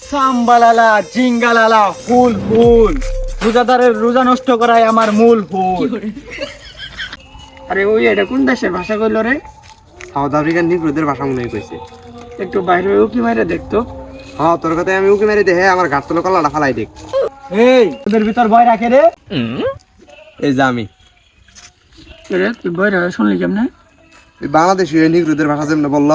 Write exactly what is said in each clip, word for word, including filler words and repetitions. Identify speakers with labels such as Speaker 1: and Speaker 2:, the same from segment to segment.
Speaker 1: সাম্বালালা জিঙ্গালালা ফুল ফুল রোজাদারের রোজা নষ্ট করাই আমার মূল ফুল। আরে ওই এটা কোন দেশের ভাষা কইল রে?
Speaker 2: সাউথ আফ্রিকান নিগ্রোদের ভাষা মনে হয় কইছে।
Speaker 1: একটু বাইরে উকি মাইরে দেখতো।
Speaker 2: হ্যাঁ তোর কথায় আমি উকি মেরে দেখে আমার ঘাট তোলা কলাটা ফালাই দেখ।
Speaker 1: এই তোদের ভিতর ভয় রাখে রে?
Speaker 2: এই যে আমি
Speaker 1: রে তুই ভয় রাখে শুনলি কেমনে?
Speaker 2: এই বাংলাদেশি নিগ্রোদের ভাষা যেমন বললো।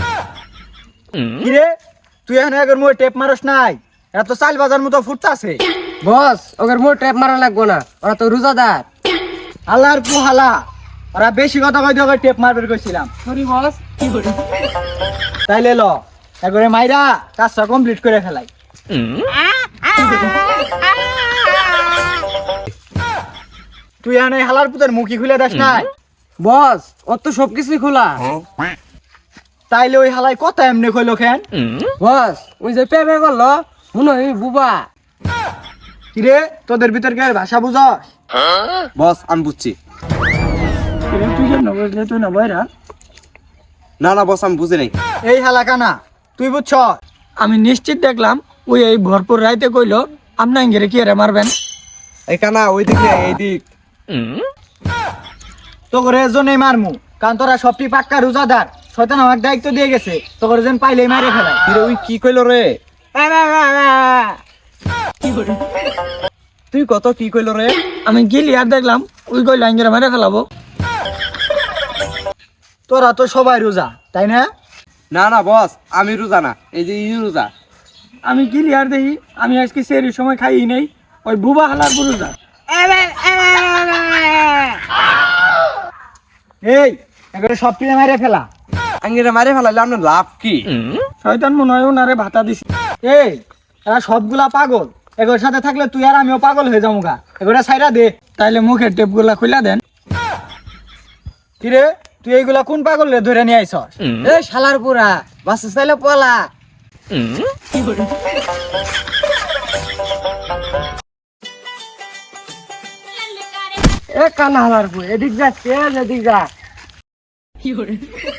Speaker 1: কি রে তুই এখন এগর মুই টেপ মারস নাই? এত চাল বাজার মতো ফুটতাছে।
Speaker 3: বস ওদের মোট ট্যাপ মারা লাগবো না, ওরা তো রোজাদার।
Speaker 1: আল্লাহর পুহালা ওরা বেশি কথা কইতে কই টেপ মারবে কইছিলাম।
Speaker 3: Sorry boss. কি করে?
Speaker 1: তাইলে ল এগরে মাইরা কাজটা কমপ্লিট করে ফেলাই। তুই এনে হালার পুতের মুখি খুলে দেস নাই?
Speaker 3: বস ওর তো সবকিছুই খোলা।
Speaker 1: তাইলে ওই হালাই কথা এমনি কইলো কেন?
Speaker 3: বস ওই যে পেপে করলো মনে হয় বুবা।
Speaker 1: কিরে তোদের ভিতর কে ভাষা বুঝস?
Speaker 2: বস আমি বুঝছি।
Speaker 1: কিরে তুই কেন বুঝলে তুই না বইরা?
Speaker 2: না না বস আমি বুঝি নাই।
Speaker 1: এই হালা কানা তুই বুঝছ? আমি নিশ্চিত দেখলাম ওই এই ভরপুর রাইতে কইলো আপনা ইঙ্গিরে কি আরে মারবেন।
Speaker 2: এই কানা ওই দিক রে, এই দিক।
Speaker 1: তো করে এজন্যই মারমু কারণ তোরা সবটি পাক্কা রোজাদার। শয়তান আমার দায়িত্ব দিয়ে গেছে তো করে যেন পাইলেই মারে ফেলাই।
Speaker 2: কিরে ওই কি কইলো রে? তুই কত কি কইলো রে?
Speaker 1: আমি গেলি আর দেখলাম ওই কইলো ইঙ্গিরে মারে ফেলাবো। তোরা তো সবাই রোজা তাই না?
Speaker 2: না না বস আমি রোজা না, এই যে ই রোজা।
Speaker 1: আমি গেলি আর দেখি আমি আজকে সেরির সময় খাই নেই ওই বুবা হালার রোজা। এই এবারে সব পিনে মারে ফেলা।
Speaker 2: আঙ্গিরা মারে ফেলাইলে আপনার লাভ কি?
Speaker 1: শয়তান মনে হয় ওনারে ভাতা দিছি। এই এরা সবগুলা পাগল, এগুলোর সাথে থাকলে তুই আর আমিও পাগল হয়ে যাবো গা। এগুলা সাইরা দে তাইলে মুখের টেপ গুলা খুলে দেন। কিরে তুই এইগুলা কোন পাগল রে ধরে নিয়ে আইছস?
Speaker 3: এ শালার পুরা বাস চাইলে পলা। এ কানা হালার পু এদিক যাচ্ছে এদিক যা।